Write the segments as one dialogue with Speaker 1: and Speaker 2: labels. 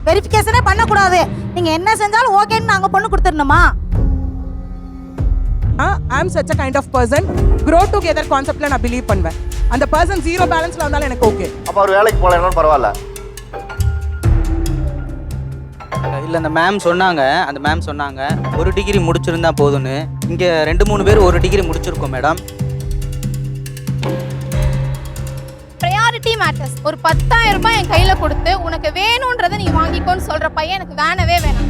Speaker 1: வெரிஃபிகேஷனே பண்ணக்கூடாது. நீங்க என்ன செஞ்சாலும் ஓகேன்னு நாங்க பொண்ணு கொடுத்துடணுமா?
Speaker 2: I am such a kind of person grow together கான்செப்ட்ல நான் பிலீவ் பண்ணுவேன். அந்த பர்சன் ஜீரோ பேலன்ஸ்ல வந்தாலும் எனக்கு ஓகே.
Speaker 3: அப்ப அவர் வேலைக்கு போகலனாலும் பரவாயில்ல.
Speaker 4: இல்லை அந்த மேம் சொன்னாங்க ஒரு டிகிரி முடிச்சிருந்தா போதும்னு. இங்கே 2-3 பேர் ஒரு டிகிரி முடிச்சிருக்கோம் மேடம்.
Speaker 5: Priority matters. ஒரு 10,000 ரூபாய் என் கையில கொடுத்து உனக்கு வேணும்ன்றதை நீ வாங்கிக்கோன்னு சொல்ற பையன் எனக்கு வேணவே வேணாம்.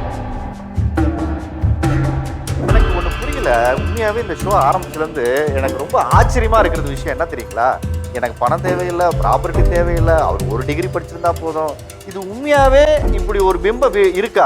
Speaker 3: எனக்கு ஒண்ணு புரியல. உண்மையாவே இந்த ஷோ ஆரம்பிச்சதுலேருந்து எனக்கு ரொம்ப ஆச்சரியமா இருக்கிறது விஷயம் என்ன தெரியுங்களா? எனக்கு பணம் தேவையில்லை, ப்ராப்பர்ட்டி தேவையில்லை, அவர் ஒரு டிகிரி படிச்சிருந்தா போதும். இது உண்மையாவே இப்படி ஒரு பிம்பம் இருக்கா?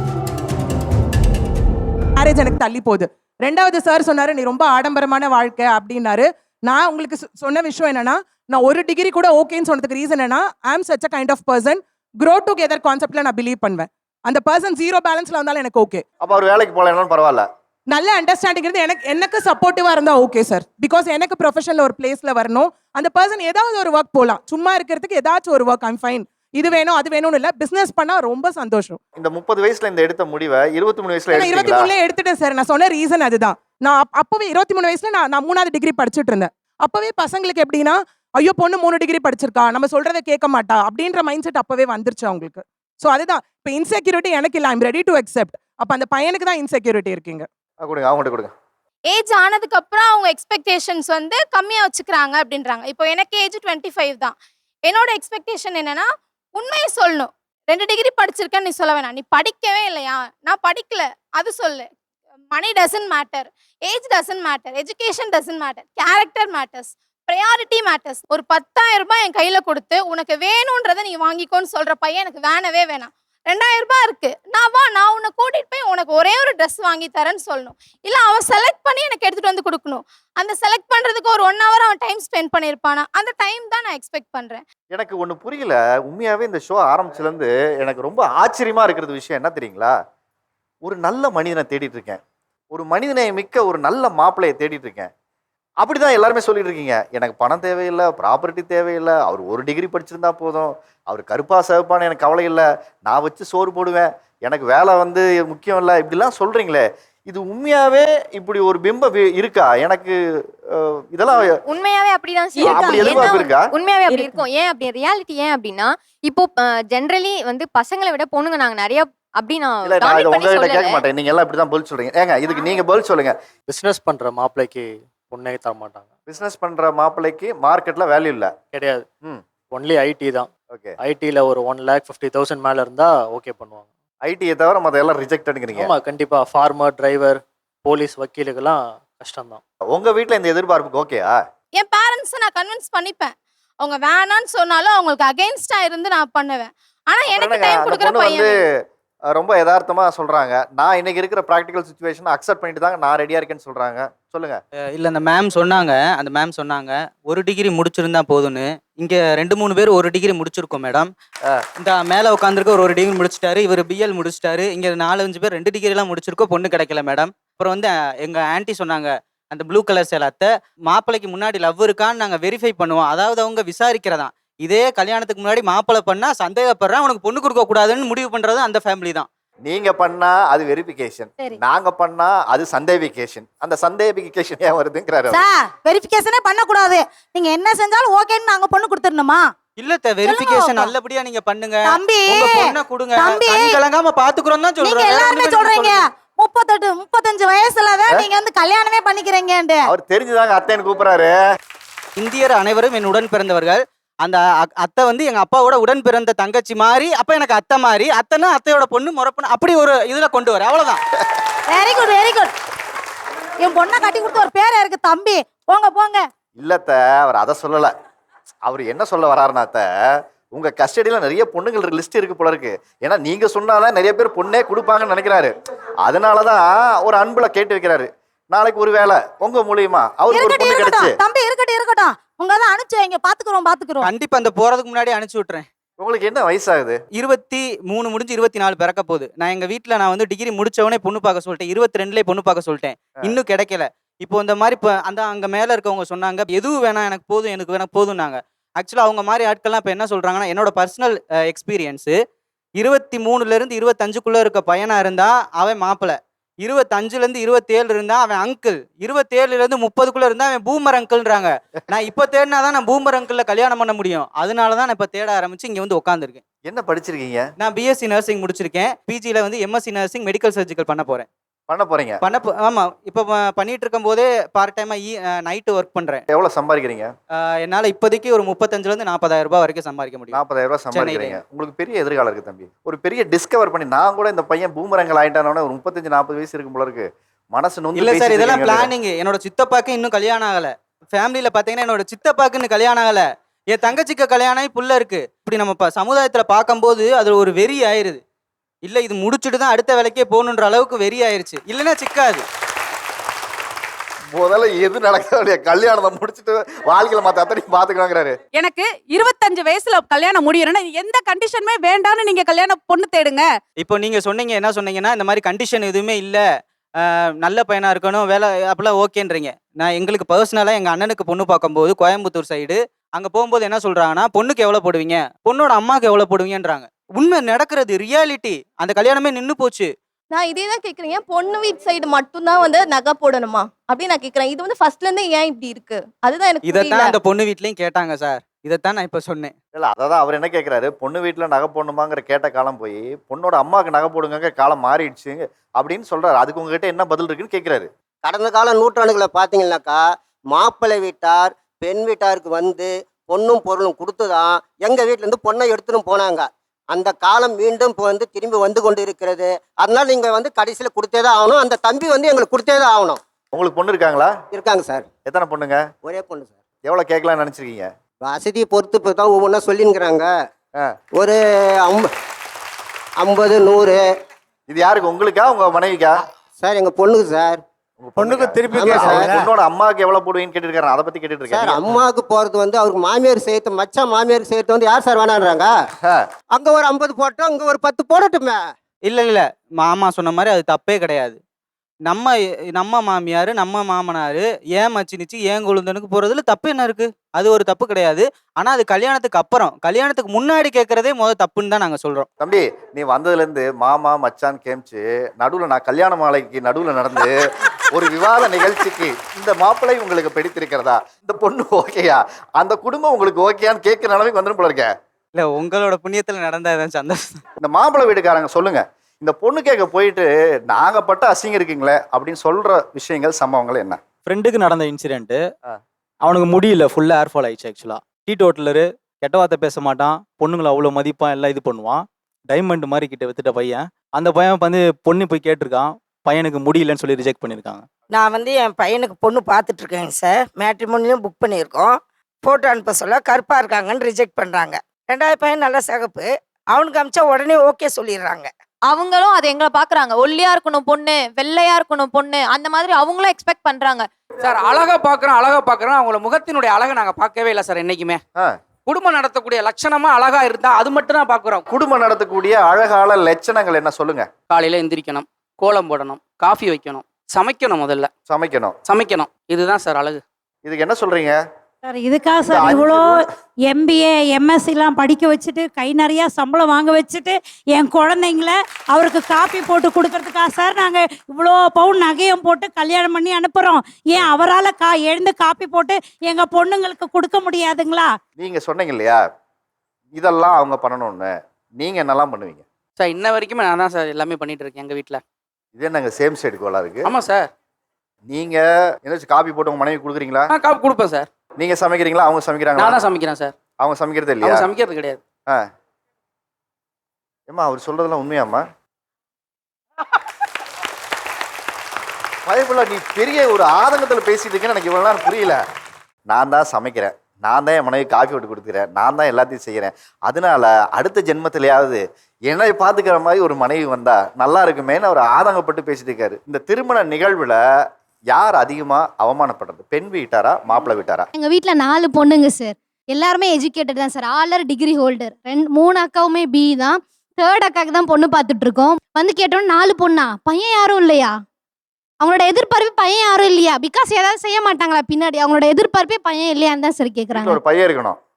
Speaker 2: மேரேஜ் எனக்கு தள்ளி போகுது. ரெண்டாவது சார் சொன்னாரு நீ ரொம்ப ஆடம்பரமான வாழ்க்கை அப்படின்னாரு. நான் உங்களுக்கு சொன்ன விஷயம் என்னன்னா, நான் ஒரு டிகிரி கூட ஓகேன்னு சொன்னதுக்கு ரீசன் என்னன்னா, I am such a kind of person grow together கான்செப்ட்ல நான் பிலீவ் பண்ணுவேன். அந்த பர்சன் ஜீரோ பேலன்ஸ்ல வந்தாலும் எனக்கு ஓகே.
Speaker 3: அப்ப அவர் வேலைக்கு போகலனாலும் பரவாயில்ல.
Speaker 2: நல்ல அண்டர்ஸ்டாண்டிங் இருந்து எனக்கு சப்போர்ட்டிவா இருந்தா ஓகே சார். பிகாஸ் எனக்கு ப்ரொஃபஷனல் ஒரு பிளேஸ்ல வரணும். அந்த பர்சன் ஏதாவது ஒரு ஒர்க் போகலாம். சும்மா இருக்கிறதுக்கு ஏதாச்சும் ஒரு ஒர்க் ஐம் ஃபைன். இது வேணும் அது வேணும்னு இல்ல, பிசினஸ் பண்ணா ரொம்ப சந்தோஷம்.
Speaker 3: இந்த 30 வயசுல இந்த எடுத்த முடிவை 23 வயசுல
Speaker 2: நான் 23 எடுத்துட்டேன் சார். நான் சொன்ன ரீசன் அதுதான். நான் அப்பவே 23 வயசுல நான் 3வது டிகிரி படிச்சுட்டு இருந்தேன். அப்பவே பசங்களுக்கு எப்படின்னா, ஐயோ பொண்ணு 3 டிகிரி படிச்சிருக்கா, நம்ம சொல்றதை கேட்க மாட்டா அப்படின்ற மைண்ட் செட் அப்பவே வந்துருச்சு அவங்களுக்கு. ஸோ அதுதான் இப்போ இன்செக்யூரிட்டி எனக்கு இல்லை, ஐம் ரெடி டு அக்செப்ட். அப்போ அந்த பையனுக்கு தான் இன்செக்யூரிட்டி இருக்கீங்க.
Speaker 3: கொடுங்க, அவங்கள்ட்ட கொடுங்க.
Speaker 5: ஏஜ் ஆனதுக்கு அப்புறம் அவங்க எக்ஸ்பெக்டேஷன்ஸ் வந்து கம்மியா வச்சுக்கிறாங்க அப்படின்றாங்க. இப்போ எனக்கு ஏஜ் 25 தான். என்னோட எக்ஸ்பெக்டேஷன் என்னன்னா, உண்மையை சொல்லணும். 2 டிகிரி படிச்சிருக்கேன்னு நீ சொல்ல வேணாம். நீ படிக்கவே இல்லையா, நான் படிக்கல அது சொல்லு. Money doesn't matter, age doesn't matter, education doesn't matter, character matters, priority matters. ஒரு 10,000 ரூபாய் என் கையில கொடுத்து உனக்கு வேணும்ன்றதை நீ வாங்கிக்கோன்னு சொல்ற பையன் எனக்கு வேணவே வேணாம். 2,000 ரூபாய் இருக்கு, நான் உன்னை கூட்டிட்டு போய் உனக்கு ஒரே ஒரு ட்ரெஸ் வாங்கி தரேன்னு சொல்லணும். இல்லை அவன் செலக்ட் பண்ணி எனக்கு எடுத்துட்டு வந்து கொடுக்கணும். அந்த செலக்ட் பண்றதுக்கு ஒரு 1 hour அவன் டைம் ஸ்பெண்ட் பண்ணியிருப்பானா, அந்த டைம் தான் நான் எக்ஸ்பெக்ட் பண்றேன்.
Speaker 3: எனக்கு ஒண்ணு புரியல. உண்மையாவே இந்த ஷோ ஆரம்பிச்சதுலேருந்து எனக்கு ரொம்ப ஆச்சரியமா இருக்கிறது விஷயம் என்ன தெரியுங்களா? ஒரு நல்ல மனிதனை தேடிட்டு இருக்கேன். ஒரு மனிதனை மிக்க ஒரு நல்ல மாப்பிள்ளையை தேடிட்டு இருக்கேன். அப்படிதான் எல்லாருமே சொல்லிட்டு இருக்கீங்க. எனக்கு பணம் தேவையில்லை, ப்ராப்பர்ட்டி தேவையில்லை, அவர் ஒரு டிகிரி படிச்சிருந்தா போதும், அவர் கருப்பா சிவப்பான்னு எனக்கு கவலை இல்லை, நான் வச்சு சோறு போடுவேன், எனக்கு வேலை வந்து முக்கியம் இல்லை, இப்படிலாம் சொல்றீங்களே, இது உண்மையாவே இப்படி ஒரு பிம்பம் இருக்கா? எனக்கு இதெல்லாம்
Speaker 6: உண்மையாவே அப்படிதான்
Speaker 3: அப்படி எதிர்பார்ப்பு இருக்கா?
Speaker 6: உண்மையாவே அப்படி இருக்கும். ஏன் அப்படி ரியாலிட்டி ஏன் அப்படின்னா, இப்போ ஜென்ரலி வந்து பசங்களை விட பொண்ணுங்க நாங்க நிறைய அப்படி நான்
Speaker 3: இல்ல, நான் இதை உங்ககிட்ட கேட்க மாட்டேன். நீங்க எல்லாம் இப்படிதான் பதில் சொல்றீங்க. ஏங்க இதுக்கு நீங்க பதில் சொல்லுங்க.
Speaker 7: பிஸ்னஸ் பண்ற மாப்பிள்ளைக்கு பொண்ணே தர மாட்டாங்க.
Speaker 3: பிசினஸ் பண்ற மாப்பிள்ளைக்கு மார்க்கெட்ல வேல்யூ இல்ல
Speaker 7: கிடையாது. ஒன்லி ஐடி தான்.
Speaker 3: ஓகே,
Speaker 7: ஐடில ஒரு 1,50,000 மேல இருந்தா ஓகே பண்ணுவாங்க.
Speaker 3: ஐடியை தவிர மத்த எல்லாம் ரிஜெக்ட்ங்கிறீங்க.
Speaker 7: ஆமா கண்டிப்பா. ஃபார்மர், டிரைவர், போலீஸ், வக்கீலுக்கெல்லாம் கஷ்டம் தான்.
Speaker 3: உங்க வீட்ல இந்த எதிர்பார்ப்புக்கு ஓகேயா?
Speaker 5: என் பேரண்ட்ஸை நான் கன்வின்ஸ் பண்ணிப்பேன். அவங்க வேணான்னு சொன்னாலும் அவங்களுக்கு அகைன்ஸ்டா இருந்து நான் பண்ணுவேன். ஆனா எனக்கு டைம் கொடுக்குற பையன்
Speaker 3: வந்து ரொம்ப யதார்த்தமா சொல்றாங்க. நான் இன்னைக்கு இருக்கிற ப்ராக்டிகல் சிச்சுவேஷன் அக்செப்ட் பண்ணிட்டு தாங்க நான் ரெடியா இருக்கேன்னு சொல்றாங்க. சொல்லுங்க.
Speaker 4: இல்லை அந்த மேம் சொன்னாங்க ஒரு டிகிரி முடிச்சிருந்தா போதும்னு. இங்கே 2-3 பேர் ஒரு டிகிரி முடிச்சிருக்கோம் மேடம். இந்த மேலே உட்காந்துருக்க ஒரு டிகிரி முடிச்சிட்டாரு, இவர் பிஎல் முடிச்சிட்டாரு. இங்கே 4-5 பேர் 2 டிகிரிலாம் முடிச்சிருக்கோம், பொண்ணு கிடைக்கல மேடம். அப்புறம் வந்து எங்கள் ஆன்ட்டி சொன்னாங்க, அந்த ப்ளூ கலர் சேலத்தை மாப்பிள்ளைக்கு முன்னாடி லவ் இருக்கான்னு நாங்கள் வெரிஃபை பண்ணுவோம். அதாவது அவங்க விசாரிக்கிறதான். இதே கல்யாணத்துக்கு முன்னாடி மாப்பிள்ளை பண்ணா சந்தேகப்படுறேன், உனக்கு பொண்ணு கொடுக்க கூடாதுன்னு முடிவு பண்றது அந்த ஃபேமிலி தான்.
Speaker 3: நீங்க பண்ணா அது வெரிஃபிகேஷன், நாங்க பண்ணா அது சந்தேகிகேஷன். அந்த சந்தேகிகேஷன் ஏன் வருதுங்கறாரு.
Speaker 1: சார் வெரிஃபிகேஷனே பண்ணக்கூடாது. நீங்க என்ன செஞ்சாலும் ஓகேன்னு நாங்க பொண்ணு கொடுத்துடணுமா?
Speaker 4: இல்ல வெரிஃபிகேஷன் நல்லபடியா நீங்க பண்ணுங்க.
Speaker 1: தம்பி,
Speaker 4: உங்க பொண்ணை கொடுங்க,
Speaker 1: தம்பி,
Speaker 4: கலங்காம பாத்துக்குறோம் தான்
Speaker 1: நீங்க
Speaker 4: சொல்றேன்.
Speaker 1: எல்லாருமே சொல்றீங்க 38-35 வயசுலதான் நீங்க வந்து கல்யாணமே பண்ணிக்கிறீங்கன்னு.
Speaker 3: அவர் தெரிஞ்சுதாங்க அத்தைன்னு கூப்பிடுறாரு.
Speaker 4: இந்தியர் அனைவரும் என் உடன் பிறந்தவர்கள். அந்த அத்தை வந்து எங்க அப்பாவோட உடன் பிறந்த தங்கச்சி மாதிரி, அப்ப எனக்கு அத்தை மாதிரி, அத்தைன்னா அத்தையோட பொண்ணு முறப்பொண்ணு, அப்படி ஒரு இதுல கொண்டு வர அவ்வளவுதான்.
Speaker 1: Very good very good. என் பொண்ணை கட்டி கொடுத்த ஒரு பேரே இருக்கு தம்பி. போங்க போங்க.
Speaker 3: இல்லத்த, அவர் அதை சொல்லல. அவர் என்ன சொல்ல வராருன்னா, உங்க கஸ்டடியில நிறைய பொண்ணுங்கள் லிஸ்ட் இருக்கு போல இருக்கு. ஏன்னா நீங்க சொன்னாதான் நிறைய பேர் பொண்ணே கொடுப்பாங்கன்னு நினைக்கிறாரு. அதனாலதான் ஒரு அன்புல கேட்டு வைக்கிறாரு. நாளைக்கு ஒரு வேலை உங்க மூலியமா அவருக்கு ஒரு பொண்ணு கிடைச்சு.
Speaker 1: தம்பி இருக்கட்டும், உங்க தான் அனுப்பிச்சு வைங்க, பாத்துக்கிறோம்.
Speaker 4: கண்டிப்பா அந்த போறதுக்கு முன்னாடி அனுப்பிச்சு விட்டுறேன்.
Speaker 3: உங்களுக்கு என்ன வயசாகுது?
Speaker 4: 23 முடிஞ்சு 24 பிறக்க போகுது. நான் எங்க வீட்டுல நான் வந்து டிகிரி முடிச்சவனே பொண்ணு பார்க்க சொல்லிட்டேன். 22லயே பொண்ணு பார்க்க சொல்லிட்டேன், இன்னும் கிடைக்கல. இப்போ இந்த மாதிரி இப்போ அந்த அங்க மேல இருக்கவங்க சொன்னாங்க எதுவும் வேணாம், எனக்கு போதும், எனக்கு வேணா போதும்னாங்க. ஆக்சுவலா அவங்க மாதிரி ஆட்கள்லாம் இப்போ என்ன சொல்றாங்கன்னா, என்னோட பர்சனல் எக்ஸ்பீரியன்ஸு, 23ல இருந்து 25க்குள்ள இருக்க பையனா இருந்தா அவன் மாப்பிள்ளை, 25ல இருந்து 27 இருந்தா அவன் அங்கிள், 27ல இருந்து 30க்குள்ள இருந்தா அவன் பூமர் அங்கிள்ன்றாங்க. நான் இப்ப தேடினாதான் நான் பூமர் அங்கிள்ல கல்யாணம் பண்ண முடியும். அதனாலதான் நான் இப்ப தேட ஆரம்பிச்சு இங்க வந்து உட்காந்துருக்கேன்.
Speaker 3: என்ன படிச்சிருக்கீங்க?
Speaker 4: நான் பிஎஸ்சி நர்சிங் முடிச்சிருக்கேன். பிஜில வந்து எம்எஸ்சி நர்சிங் மெடிக்கல் சர்ஜிக்கல் பண்ண போறேன்.
Speaker 3: பண்ண போறீங்க?
Speaker 4: ஆமா, இப்ப பண்ணிட்டு இருக்கும் போதே பார்ட் டைமா நைட்டு ஒர்க் பண்றேன்.
Speaker 3: எவ்வளவு சம்பாதிக்கிறீங்க?
Speaker 4: என்னால இப்போதைக்கு ஒரு 35ல இருந்து 40,000 ரூபாய் வரைக்கும் சம்பாதிக்க முடியும்.
Speaker 3: 40,000 ரூபாய் சம்பாதிக்கிறீங்க. உங்களுக்கு பெரிய எதிர்காலம் இருக்கு தம்பி. ஒரு பெரிய டிஸ்கவர் பண்ணி நான் கூட இந்த பையன் பூமரங்கள் ஆயிட்டானே ஒரு 35-40 வயசு இருக்கும் போல இருக்கு. மனசு நொந்து
Speaker 4: இல்ல சார்,
Speaker 3: பேசிட்டு
Speaker 4: இதெல்லாம்
Speaker 3: இருக்கீங்க.
Speaker 4: பிளானிங். என்னோட சித்தப்பாக்கு இன்னும் கல்யாணம் ஆகல. ஃபேமிலியில பாத்தீங்கன்னா என்னோட சித்தப்பாக்கு இன்னும் கல்யாணம் ஆகல. என் தங்கச்சிக்கு கல்யாணம் ஆகி புள்ள இருக்கு. இப்படி நம்ம சமுதாயத்துல பார்க்கும்போது அது ஒரு வெறி ஆயிருது. இல்ல இது முடிச்சுட்டு தான் அடுத்த வேலைக்கே போகணுன்ற அளவுக்கு வெறி ஆயிருச்சு. இல்லைன்னா சிக்காது.
Speaker 3: முதல்ல எது நடக்க கல்யாணத்தை முடிச்சுட்டு வாழ்க்கையில மத்த அத்தனையும் பாத்துக்கலாங்கிறாரு.
Speaker 8: எனக்கு 25 வயசுல கல்யாணம் முடியறேன்னா எந்த கண்டிஷனுமே வேண்டாம்னு நீங்க கல்யாணம் பொண்ணு தேடுங்க.
Speaker 4: இப்போ நீங்க சொன்னீங்க, என்ன சொன்னீங்கன்னா இந்த மாதிரி கண்டிஷன் எதுவுமே இல்ல, நல்ல பையனா இருக்கணும், வேலை அப்பெல்லாம் ஓகேன்றீங்க. நான் எங்களுக்கு பர்சனலா எங்க அண்ணனுக்கு பொண்ணு பார்க்கும்போது கோயம்புத்தூர் சைடு அங்க போகும்போது என்ன சொல்றாங்கன்னா, பொண்ணுக்கு எவ்வளவு போடுவீங்க, பொண்ணோட அம்மாக்கு எவ்வளவு போடுவீங்கன்றாங்க. உண்மை நடக்கிறது, ரியாலிட்டி. அந்த கல்யாணமே நின்னு போச்சு.
Speaker 9: நான் இதே தான் கேட்குறேன். பொண்ணு வீட்டு சைடு மட்டும்தான் வந்து நகை போடணுமா அப்படின்னு நான் கேட்குறேன். இது வந்து ஃபர்ஸ்ட்ல இருந்தே ஏன் இப்படி இருக்கு? அதுதான் எனக்கு
Speaker 4: இதைத்தான்
Speaker 9: புரியல.
Speaker 4: அந்த பொண்ணு வீட்லயும் கேட்டாங்க சார். இதைத்தான் நான் இப்ப சொன்னேன்.
Speaker 3: இல்ல அதான் அவர் என்ன கேட்கிறாரு, பொண்ணு வீட்டுல நகை போடணுமாங்கிற கேட்ட காலம் போய் பொண்ணோட அம்மாவுக்கு நகை போடுங்க காலம் மாறிடுச்சு அப்படின்னு சொல்றாரு. அதுக்கு உங்ககிட்ட என்ன பதில் இருக்குன்னு கேட்கிறாரு.
Speaker 10: கடந்த கால நூற்றாண்டுகளை பார்த்தீங்கன்னாக்கா மாப்பிள்ளை வீட்டார் பெண் வீட்டாருக்கு வந்து பொண்ணும் பொருளும் கொடுத்து தான் எங்கள் வீட்டிலேருந்து பொண்ணை எடுத்துன்னு போனாங்க. அந்த காலம் மீண்டும் இப்போ வந்து திரும்பி வந்து கொண்டு இருக்கிறது. அதனால நீங்கள் வந்து கடைசியில் கொடுத்தே தான் ஆகணும். அந்த தம்பி வந்து எங்களுக்கு கொடுத்தே தான் ஆகணும்.
Speaker 3: உங்களுக்கு பொண்ணு இருக்காங்களா?
Speaker 10: இருக்காங்க சார்.
Speaker 3: எத்தனை பொண்ணுங்க?
Speaker 10: ஒரே பொண்ணு சார்.
Speaker 3: எவ்வளவு கேட்கலாம்னு நினைச்சிருக்கீங்க?
Speaker 10: வசதியை பொறுத்து இப்போ தான் ஒவ்வொன்றா சொல்லிங்கிறாங்க. ஒரு 50 100.
Speaker 3: இது யாருக்கு, உங்களுக்கா உங்க மனைவிக்கா?
Speaker 10: சார் எங்கள் பொண்ணுக்கு சார்.
Speaker 3: பொண்ணுக்கு திருப்பி பொண்ணோட அம்மாவுக்கு எவ்வளவு போடுவீங்கன்னு கேட்டுட்டு இருக்காரு. அதை பத்தி கேட்டுட்டு
Speaker 10: சார்
Speaker 3: இருக்காரு.
Speaker 10: அம்மாவுக்கு போகிறது வந்து அவருக்கு மாமியார் சேர்த்து மச்சான் மாமியார் சேர்த்து வந்து யார் சார் வேணான்றாங்க? அங்கே ஒரு 50 போட்டோம், அங்கே ஒரு 10 போடட்டுமே.
Speaker 4: இல்ல மாமா சொன்ன மாதிரி அது தப்பே கிடையாது. நம்ம மாமியார் நம்ம மாமனார் ஏன் மச்சினிச்சு ஏன் கொழுந்தனுக்கு போறதுல தப்பு என்ன இருக்கு? அது ஒரு தப்பு கிடையாது. ஆனா அது கல்யாணத்துக்கு அப்புறம், கல்யாணத்துக்கு முன்னாடி கேட்கறதே முதல் தப்புன்னு தான் நாங்க சொல்றோம்.
Speaker 3: தம்பி நீ வந்ததுல இருந்து மாமா மச்சான் கேமிச்சு நடுவுல நான் கல்யாண மாலைக்கு நடுவுல நடந்து ஒரு விவாத நிகழ்ச்சிக்கு இந்த மாப்பிள்ளை உங்களுக்கு பிடித்திருக்கிறதா, இந்த பொண்ணு ஓகேயா, அந்த குடும்பம் உங்களுக்கு ஓகேயான்னு கேட்கிற நிலைமைக்கு வந்துடும் போல இருக்க.
Speaker 4: இல்ல உங்களோட புண்ணியத்துல நடந்ததான் சந்தோஷம்.
Speaker 3: இந்த மாப்பிள்ளை வீட்டுக்காரங்க சொல்லுங்க, இந்த பொண்ணு கேட்க போயிட்டு நாங்க பட்ட அசிங்கம் இருக்குங்களே அப்படின்னு சொல்ற விஷயங்கள் சம்பவங்கள் என்ன?
Speaker 11: ஃப்ரெண்டுக்கு நடந்த இன்சிடென்ட். அவனுக்கு முடியல, ஃபுல்லா ஏர் ஃபால் ஆயிடுச்சு. ஆக்சுவலா டீடோட்டலரு, கெட்ட வார்த்தை பேச மாட்டான், பொண்ணுங்களை அவ்வளோ மதிப்பான், எல்லாம் இது பண்ணுவான். டைமண்ட் மாதிரி கிட்ட வித்துட்ட பையன். அந்த பையன் வந்து பொண்ணு போய் கேட்டிருக்கான், பையனுக்கு முடியலன்னு சொல்லி ரிஜெக்ட் பண்ணியிருக்காங்க.
Speaker 12: நான் வந்து என் பையனுக்கு பொண்ணு பார்த்துட்டு இருக்கேங்க சார். மேட்ரிமோனியும் புக் பண்ணியிருக்கோம். ஃபோட்டோ அனுப்ப சொல்ல கருப்பாக இருக்காங்கன்னு ரிஜெக்ட் பண்ணுறாங்க. 2வது பையன் நல்ல சிகப்பு, அவனுக்கு அமிச்சா உடனே ஓகே சொல்லிடுறாங்க.
Speaker 6: அவங்களும் அதை எங்களை பாக்குறாங்க. ஒல்லியா இருக்கணும் பொண்ணு, வெள்ளையா இருக்கணும் பொண்ணு, அந்த மாதிரி அவங்களும் எக்ஸ்பெக்ட் பண்றாங்க.
Speaker 13: சார் அழகா பாக்குறோம். அவங்கள முகத்தினுடைய அழகை நாங்க பார்க்கவே இல்லை சார் என்னைக்குமே. குடும்பம் நடத்தக்கூடிய லட்சணமா அழகா இருந்தா அது மட்டும் தான் பாக்குறோம்.
Speaker 3: குடும்பம் நடத்தக்கூடிய அழகால லட்சணங்கள் என்ன சொல்லுங்க?
Speaker 13: காலையில எந்திரிக்கணும், கோலம் போடணும், காஃபி வைக்கணும், சமைக்கணும், முதல்ல சமைக்கணும். இதுதான் சார் அழகு.
Speaker 3: இதுக்கு என்ன சொல்றீங்க
Speaker 1: சார்? இதுக்காக சார் இவ்வளோ MBA MSCலாம் படிக்க வச்சுட்டு கை நிறைய சம்பளம் வாங்க வச்சுட்டு என் குழந்தைங்கள அவருக்கு காப்பி போட்டு கொடுக்கறதுக்காக சார் நாங்கள் இவ்வளோ பவுன் நகையும் போட்டு கல்யாணம் பண்ணி அனுப்புகிறோம். ஏன் அவரால் எழுந்து காப்பி போட்டு எங்கள் பொண்ணுங்களுக்கு கொடுக்க முடியாதுங்களா?
Speaker 3: நீங்க சொன்னீங்க இல்லையா இதெல்லாம் அவங்க பண்ணணும்னு, நீங்க என்னெல்லாம் பண்ணுவீங்க?
Speaker 13: சார் இன்ன வரைக்குமே நான் தான் சார் எல்லாமே பண்ணிட்டு இருக்கேன் எங்க வீட்டுல.
Speaker 3: இது என்னங்க சேம் சைடு கோலா இருக்கு?
Speaker 13: ஆமா சார்.
Speaker 3: நீங்க ஏதாச்சும் காப்பி போட்டு உங்க மனைவி கொடுக்குறீங்களா?
Speaker 13: காப்பி கொடுப்பேன் சார்.
Speaker 3: நீங்க சமைக்கிறீங்களா அவங்க சமைக்கிறாங்களா?
Speaker 13: நான் தான் சமைக்கிறேன் சார்.
Speaker 3: அவங்க சமைக்கிறது இல்லையா?
Speaker 13: அவங்க சமைக்கிறது கிடையாது.
Speaker 3: ஏம்மா அவர் சொல்றதெல்லாம் உண்மையாம்மா? பயப்புள்ள நீ பெரிய ஒரு ஆதங்கத்துல பேசிட்டு இருக்கேன்னு எனக்கு இவ்வளவு நேரம் புரியல. நான் தான் சமைக்கிறேன், நான் தான் என் மனைவி காஃபி போட்டு கொடுக்குறேன், நான் தான் எல்லாத்தையும் செய்கிறேன். அதனால அடுத்த ஜென்மத்திலேயாவது என்னை பார்த்துக்கிற மாதிரி ஒரு மனைவி வந்தா நல்லா இருக்குமேன்னு அவர் ஆதங்கப்பட்டு பேசிட்டு இருக்காரு. இந்த திருமண நிகழ்வுல யார் அதிகமா அவமானப்படுறது, பெண் வீட்டாரா மாப்பிள்ளை வீட்டாரா?
Speaker 14: எங்க வீட்ல 4 பொண்ணுங்க சார். எல்லாருமே எஜுகேட்டட் தான் சார். All are degree holder. 3 அக்காவுமே B தான். 3rd அக்காவுக்கு தான் பொண்ணு பார்த்துட்டு இருக்கோம். வந்து கேட்டோம் 4 பொண்ணா, பையன் யாரும் இல்லையா? அவங்களோட எதிர்பார்ப்பு பையன் யாரும் இல்லையா? பிகாஸ் ஏதாவது செய்ய மாட்டாங்களா பின்னாடி? அவங்களோட எதிர்பார்ப்பே பையன் இல்லையான்னு தான் சார் கேட்குறாங்க.
Speaker 3: ஒரு பையன் இருக்கணும்.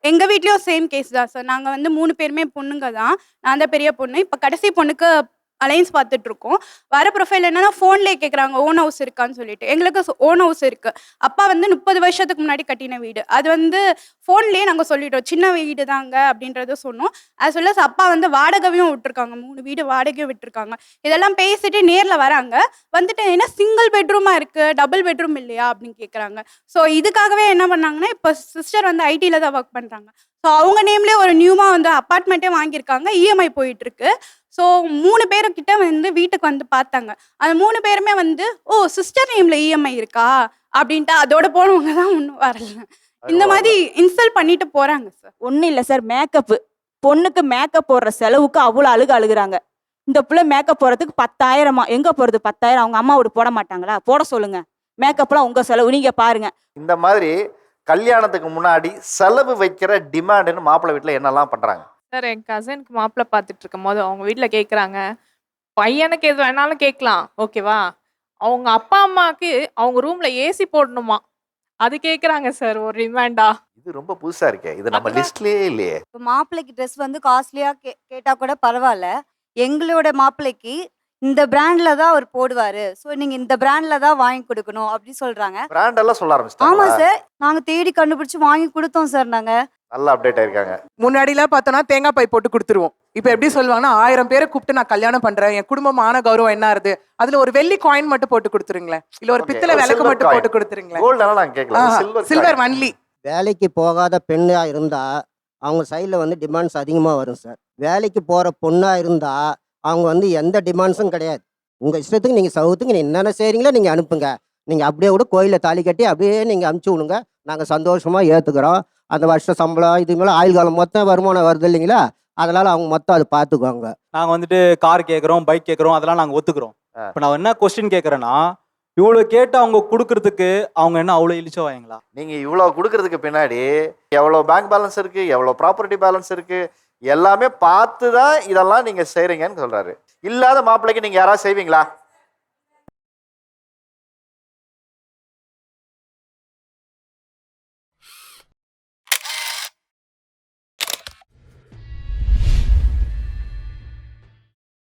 Speaker 15: எங்கள் வீட்லேயும் சேம் கேஸ் தான் சார். நாங்கள் வந்து 3 பேருமே பொண்ணுங்க தான். நான் தான் பெரிய பொண்ணு. இப்போ கடைசி பொண்ணுக்கு அலைன்ஸ் பார்த்துட்ருக்கோம். வர ப்ரொஃபைல் என்னன்னா ஃபோன்லேயே கேட்குறாங்க ஓன் ஹவுஸ் இருக்கான்னு சொல்லிட்டு. எங்களுக்கு ஓன் ஹவுஸ் இருக்குது. அப்பா வந்து 30 வருஷத்துக்கு முன்னாடி கட்டின வீடு. அது வந்து ஃபோன்லேயே நாங்கள் சொல்லிட்டோம் சின்ன வீடு தாங்க அப்படின்றத சொன்னோம். அது சொல்ல அப்பா வந்து வாடகையும் விட்டுருக்காங்க. 3 வீடு வாடகையும் விட்டுருக்காங்க. இதெல்லாம் பேசிட்டு நேரில் வராங்க. வந்துட்டு என்ன சிங்கிள் பெட்ரூமாக இருக்குது, டபுள் பெட்ரூம் இல்லையா அப்படின்னு கேட்குறாங்க. ஸோ இதுக்காகவே என்ன பண்ணாங்கன்னா, இப்போ சிஸ்டர் வந்து ஐடியில் தான் ஒர்க் பண்ணுறாங்க. ஸோ அவங்க நேம்லேயே ஒரு நியூமாக வந்து அப்பார்ட்மெண்ட்டே வாங்கியிருக்காங்க. இஎம்ஐ போயிட்டுருக்கு. ஸோ 3 பேருக்கிட்ட வந்து வீட்டுக்கு வந்து பார்த்தாங்க. அந்த 3 பேருமே வந்து ஓ சிஸ்டர் நேமில் இஎம்ஐ இருக்கா அப்படின்ட்டு அதோட போனவங்க தான் ஒன்றும் வரல. இந்த மாதிரி இன்ஸ்டால் பண்ணிட்டு போகிறாங்க சார்.
Speaker 16: ஒன்றும் இல்லை சார், மேக்கப்பு பொண்ணுக்கு மேக்கப் போடுற செலவுக்கு அவ்வளோ அழுகுறாங்க. இந்த பிள்ளை மேக்கப் போடுறதுக்கு 10,000மா. எங்கே போகிறது 10,000? அவங்க அம்மாவோட போட மாட்டாங்களா? போட சொல்லுங்க. மேக்கப்லாம் உங்கள் செலவு, நீங்கள் பாருங்க.
Speaker 3: இந்த மாதிரி கல்யாணத்துக்கு முன்னாடி செலவு வைக்கிற டிமாண்டுன்னு மாப்பிள்ளை வீட்டில் என்னெல்லாம் பண்ணுறாங்க?
Speaker 17: சார் என் கசினுக்கு மாப்பிள்ளை பார்த்துட்டு இருக்கும் போது அவங்க வீட்டில் கேட்குறாங்க, பையனுக்கு எது வேணாலும் கேட்கலாம் ஓகேவா, அவங்க அப்பா அம்மாவுக்கு அவங்க ரூம்ல ஏசி போடணுமா, அது கேட்குறாங்க சார் ஒரு டிமாண்டா.
Speaker 3: இது ரொம்ப புதுசா இருக்கே, இது நம்ம லிஸ்ட்லயே இல்லையே.
Speaker 18: இப்போ மாப்பிள்ளைக்கு ட்ரெஸ் வந்து காஸ்ட்லியாக கேட்டால் கூட பரவாயில்ல. எங்களோட மாப்பிள்ளைக்கு இந்த பிராண்ட்ல தான் அவர் போடுவாரு, ஸோ நீங்க இந்த பிராண்ட்ல தான் வாங்கி கொடுக்கணும் அப்படி சொல்றாங்க.
Speaker 3: பிராண்ட் எல்லாம் சொல்ல ஆரம்பிச்சிட்டாங்க.
Speaker 18: ஆமா சார், நாங்க தேடி கண்டுபிடிச்சு வாங்கி கொடுத்தோம் சார். நாங்க
Speaker 3: நல்லா அப்டேட் ஆயிருக்காங்க.
Speaker 2: முன்னாடிலாம் பார்த்தோன்னா தேங்காய் பை போட்டு கொடுத்துருவோம். இப்போ எப்படி சொல்லுவாங்கன்னா 1000 பேரை கூப்பிட்டு நான் கல்யாணம் பண்றேன், என் குடும்பமான கௌரவம் என்ன ஆகுது, அதுல ஒரு வெள்ளி காயின் மட்டும் போட்டு கொடுத்துருங்களேன், இல்ல ஒரு பித்தளை விளக்கு மட்டும் போட்டு கொடுத்துருங்களேன்.
Speaker 3: கோல்ட் எல்லாம் நான் கேட்கல,
Speaker 2: சில்வர் ஒன்லி.
Speaker 10: வேலைக்கு போகாத பெண்ணாக இருந்தால் அவங்க சைடில் வந்து டிமாண்ட்ஸ் அதிகமாக வரும் சார். வேலைக்கு போகிற பொண்ணாக இருந்தால் அவங்க வந்து எந்த டிமாண்ட்ஸும் கிடையாது. உங்கள் இஷ்டத்துக்கு நீங்கள் சவுத்துக்கு என்னென்ன செய்கிறீங்களோ நீங்கள் அனுப்புங்க, நீங்கள் அப்படியே கூட கோயிலில் தாலி கட்டி அப்படியே நீங்கள் அனுப்பிச்சி விடுங்க, நாங்கள் சந்தோஷமாக ஏற்றுக்கிறோம். அந்த வருஷ சம்பளம் இது மேலே ஆயுள் காலம் மொத்தம் வருமானம் வருது இல்லைங்களா, அதனால் அவங்க மொத்தம் அதை பார்த்துக்குவாங்க.
Speaker 11: நாங்கள் வந்துட்டு கார் கேட்குறோம், பைக் கேட்குறோம், அதெல்லாம் நாங்கள் ஒத்துக்கிறோம். இப்போ நான் என்ன கொஸ்டின் கேட்குறேன்னா, இவ்வளோ கேட்டு அவங்க கொடுக்கறதுக்கு அவங்க என்ன அவ்வளோ இழிச்சா வாங்களா?
Speaker 3: நீங்கள் இவ்வளோ கொடுக்கறதுக்கு பின்னாடி எவ்வளோ பேங்க் பேலன்ஸ் இருக்குது, எவ்வளோ ப்ராப்பர்ட்டி பேலன்ஸ் இருக்குது, எல்லாமே பார்த்து தான் இதெல்லாம் நீங்கள் செய்கிறீங்கன்னு சொல்கிறாரு. இல்லாத மாப்பிள்ளைக்கு நீங்கள் யாராவது செய்வீங்களா?